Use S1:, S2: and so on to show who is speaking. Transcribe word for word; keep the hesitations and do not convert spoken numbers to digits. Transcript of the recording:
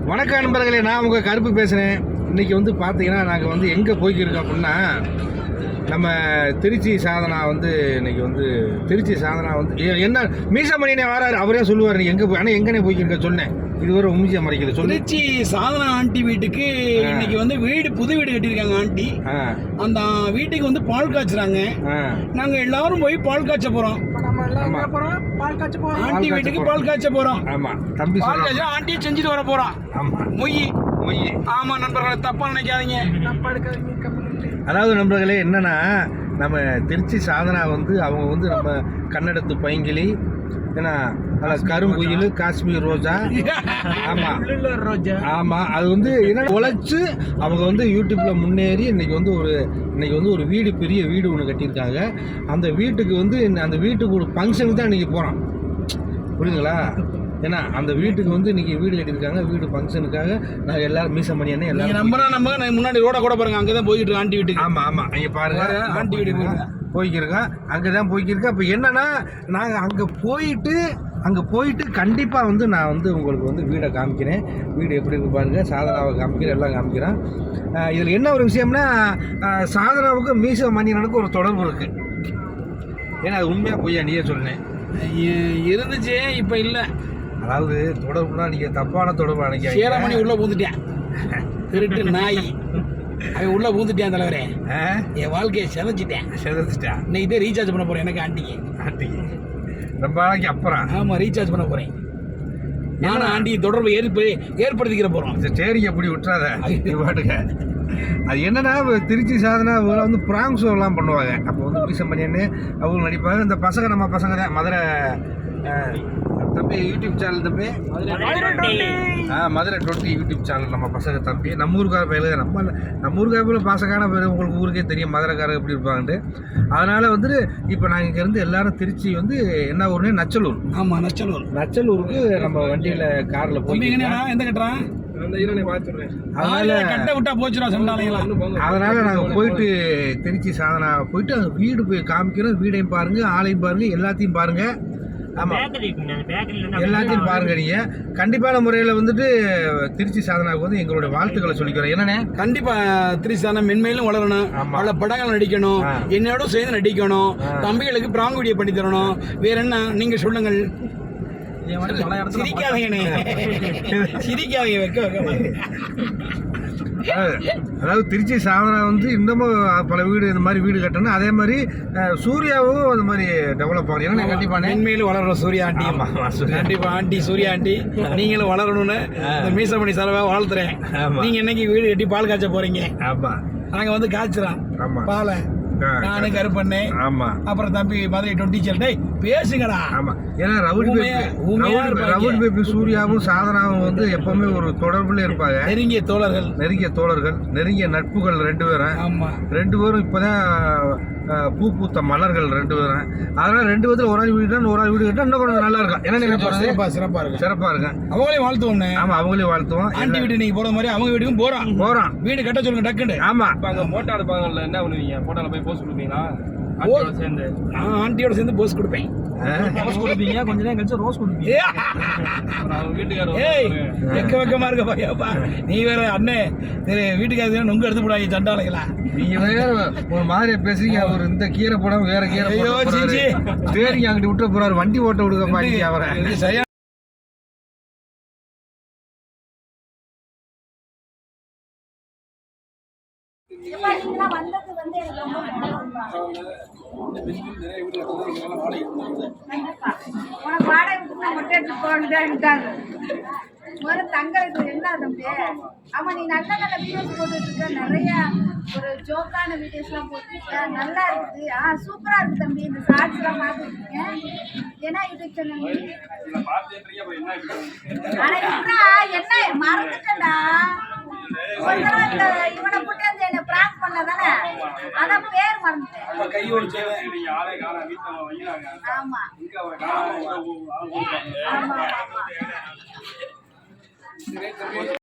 S1: வணக்கம் நண்பர்களே, நான் உங்கள் கருப்பு பேசுகிறேன். இன்றைக்கி வந்து பார்த்தீங்கன்னா நாங்கள் வந்து எங்கே போய்க்கிருக்கோம் அப்படின்னா, நம்ம திருச்சி சாதனா வந்து இன்றைக்கி வந்து திருச்சி சாதனா வந்து என்ன மீசமணியனே வராரு, அவரே சொல்லுவார் நீ எங்கே போய், ஆனால் எங்கனே போய்க்கிருக்க சொன்னேன். இது ஒரு உமிஜியா மறைக்கல சொல்லு.
S2: திருச்சி சாதனா ஆண்டி வீட்டுக்கு இன்னைக்கு வந்து வீடு புது வீடு கட்டியிருக்காங்க ஆண்டி. அந்த வீட்டுக்கு வந்து பால் காய்ச்சுறாங்க. நாங்க எல்லாரும் போய் பால் காய்ச்ச போறோம். ஆண்டி வீட்டுக்கு பால் காய்ச்ச போறோம்.
S1: ஆமா தம்பி,
S2: பால் காய்ச்ச ஆண்டியை செஞ்சுட்டு வர போறோம்.
S1: ஆமா
S2: மொய்
S1: மொய்.
S2: ஆமா நண்பர்களே, தப்பா நினைக்காதீங்க.
S1: அதாவது நண்பர்களே, என்னன்னா நம்ம திருச்சி சாதனா வந்து அவங்க வந்து நம்ம கன்னடத்து பைங்கிளி, ஏன்னா கருங்குயில், காஷ்மீர் ரோஜா. ஆமா
S2: ரோஜா.
S1: ஆமா அது வந்து என்ன உழைச்சு அவங்க வந்து யூடியூப்ல முன்னேறி இன்னைக்கு வந்து ஒரு இன்னைக்கு வந்து ஒரு வீடு, பெரிய வீடு ஒன்று கட்டியிருக்காங்க. அந்த வீட்டுக்கு வந்து அந்த வீட்டுக்கு ஒரு ஃபங்க்ஷனுக்கு தான் இன்னைக்கு போகிறோம், புரியுதுங்களா? ஏன்னா அந்த வீட்டுக்கு வந்து இன்னைக்கு வீடு கட்டியிருக்காங்க. வீடு ஃபங்க்ஷனுக்காக நாங்கள் எல்லாரும் மீசம் பண்ணி என்ன எல்லாரும்
S2: நம்பரா நம்ம முன்னாடி ரோட கூட பாருங்க, அங்கே தான் போயிட்டு இருக்கு ஆண்டி வீட்டுக்கு.
S1: ஆமாம் ஆமாம் இங்கே பாருங்க,
S2: ஆண்டி வீட்டுக்கு
S1: போய்க்கிருக்கோம். அங்கே தான் போய்க்கிருக்கோம். இப்போ என்னன்னா நாங்கள் அங்கே போயிட்டு அங்கே போயிட்டு கண்டிப்பாக வந்து நான் வந்து உங்களுக்கு வந்து வீடை காமிக்கிறேன். வீடு எப்படி இருக்கு பாருங்கள், சாதனாவை காமிக்கிறேன், எல்லாம் காமிக்கிறேன். இதில் என்ன ஒரு விஷயம்னா, சாதனாவுக்கு மீச மணியனுக்கு ஒரு தொடர்பு இருக்குது. ஏன்னா அது உண்மையாக பொய்யா நீயே சொன்னேன்
S2: இருந்துச்சு, இப்போ இல்லை.
S1: அதாவது தொடர்புனா நீங்கள் தப்பான தொடர்பு நினைக்க.
S2: சேரமணி உள்ளே பூந்துட்டேன், திருட்டு நாய் அவன் உள்ளே பூந்துட்டேன் தலைவரே. என் வாழ்க்கையை செதைச்சிட்டேன்
S1: செதைச்சிட்டேன்
S2: இன்னைக்கு தான் ரீசார்ஜ் பண்ண போகிறேன் எனக்கு ஆண்டிக்கு.
S1: ஆண்டிக்கு ரொம்ப நாளைக்கு அப்புறம்.
S2: ஆமாம், ரீசார்ஜ் பண்ண போகிறேன். நானும் ஆண்டி தொடர்பு ஏற்ப ஏற்படுத்திக்கிற போகிறோம்.
S1: சரி, அப்படி விட்டுறாத பாட்டுக்க. அது என்னன்னா, திருச்சி சாதனா வந்து பிராங்க் ஷோலாம் பண்ணுவாங்க. அப்போ வந்து மீசம் பண்ணின்னு அவங்க நடிப்பாங்க. இந்த பசங்க நம்ம பசங்க தான் மதுரை தம்பி யூடியூப் சேனல் தம்பி, ஆ மதுரை டுவெண்ட்டி யூடியூப் சேனல் நம்ம பசங்க தம்பி. நம்ம ஊருக்கார பயில நம்ம நம்ம ஊருக்கார பயில பாசக்கான பேர் உங்களுக்கு ஊருக்கே தெரியும் மதுரைக்காரங்க எப்படி இருப்பாங்கன்ட்டு. அதனால் வந்துட்டு இப்போ நாங்கள் இங்கேருந்து எல்லாரும் திருச்சி வந்து என்ன ஊர்னே நச்சலூர்.
S2: ஆமாம், நச்சலூர்.
S1: நச்சலூருக்கு நம்ம வண்டியில் காரில் போய்
S2: எந்த கட்டுறான்
S1: அதனால நாங்க போயிட்டு திருச்சி சாதனா போயிட்டு அங்க வீடு போய் காமிக்கிறோம். வீடையும் பாருங்க, ஆளையும் பாருங்க, எல்லாத்தையும் பாருங்க. ஆமா, எல்லாத்தையும் பாருங்க. நீங்க கண்டிப்பான முறையில வந்துட்டு திருச்சி சாதனாவுக்கு வந்து எங்களுடைய வாழ்த்துக்களை சொல்லிக்கிறோம். என்னண்ணே,
S2: கண்டிப்பா திருச்சி சாதனா மென்மேலும் வளரணும், பல படங்கள் நடிக்கணும், என்னோட சேர்ந்து நடிக்கணும், தம்பிகளுக்கு பிராங்க் வீடியோ பண்ணி தரணும். வேற என்ன நீங்க சொல்லுங்கள். சிரிக்காதீங்கண்ணே, சிரிக்காதீங்க, வைக்க வைக்க.
S1: அதாவது திருச்சி சாதனா வந்து இன்னமும் பல வீடு இந்த மாதிரி வீடு கட்டணும். அதே மாதிரி சூர்யாவும் அந்த மாதிரி டெவலப் ஆகும். ஏன்னா கண்டிப்பா
S2: மென்மேலும் வளரணும் சூர்யா ஆண்டி. கண்டிப்பா ஆண்டி, சூர்யா ஆண்டி நீங்களும் வளரணும்னு இந்த மீசமணி செலவா வாழ்த்துறேன். நீங்க என்னைக்கு வீடு கட்டி பால் காய்ச்ச போறீங்க?
S1: ஆமா,
S2: நாங்க வந்து காய்ச்சுறோம் பாலை. நானு கருப்பண்ணே,
S1: ஆமா,
S2: அப்புறம் தம்பி மதுரை டுவெண்ட்டி சேல். டேய் பேசுங்கடா.
S1: ஆமா, ஏன்னா ரவுடி ரவுடி பேபி சூர்யாவும் சாதனாவும் வந்து எப்பவுமே ஒரு தொடர்புல இருப்பாங்க. நெருங்கிய தோழர்கள், நெருங்கிய தோழர்கள், நெருங்கிய நட்புகள் ரெண்டு பேரும்.
S2: ஆமா,
S1: ரெண்டு பேரும் இப்பதான் பூ பூத்த மலர்கள் ரெண்டு பேரும். அதனால ரெண்டு பேர்த்துல ஒரு ஆள் வீடு ஒரு ஆள் வீடு கட்டா இன்னும் கொஞ்சம் நல்லா இருக்கும். ஏன்னா
S2: சிறப்பா சிறப்பா இருக்கு,
S1: சிறப்பா இருக்கு.
S2: அவங்களையும் வாழ்த்துவோம்.
S1: ஆமா, அவங்களையும் வாழ்த்துவோம்.
S2: ஆண்டி வீடு நீங்க போற மாதிரி அவங்க வீட்டுக்கும் போறோம் போறோம் வீடு கட்ட சொல்லுங்க டக்குன்னு.
S1: ஆமா,
S3: அங்க போட்டோ எடுப்பாங்கல்ல, என்ன பண்ணுவீங்க? போட்டோல போய் போஸ்ட் கொடுப்பீங்களா? சேர்ந்து
S2: ஆண்டியோட சேர்ந்து போஸ்ட் கொடுப்பேன்.
S3: போஸ்ட் கொடுப்பீங்க, கொஞ்ச நேரம் கழிச்சு ரோஸ் கொடுப்பீங்க. வீட்டுக்காரர்
S2: வெக்க வெக்கமா இருக்க பாப்பா, நீ வேற அண்ணே வீட்டுக்காரர் நொங்கு எடுத்து போடாங்க சண்டாளைங்களா.
S1: நீங்க வேற ஒரு மாதிரி பேசுறீங்க. அவர் இந்த கீரை போடாம வேற கீரை சரிங்க அங்கிட்டு விட்டு போறாரு. வண்டி ஓட்ட விடுக்க பாட்டி அவரை.
S2: சரியா
S4: முதல்ல தங்களுக்கு என்ன தம்பி? ஆமா, நீ நல்ல நல்ல வீடியோஸ் போட்டுட்டு இருக்க, நிறைய ஒரு ஜோக்கான வீடியோஸ் எல்லாம் போட்டுருக்க, நல்லா இருக்குது. ஆ சூப்பரா இருக்கு தம்பி. இந்த ஷார்ட்ஸ் எல்லாம் பார்த்துருக்கேன். ஏன்னா யூடியூப் சேனல் ஆனா என்ன மறந்துட்டேன்டா. ஒரு தடவை இந்த இவனை கூட்டி வந்து என்ன பிராங்க் பண்ணதானே, அதான் பேர் மறந்துட்டேன். ஆமா ஆமா ஆமா.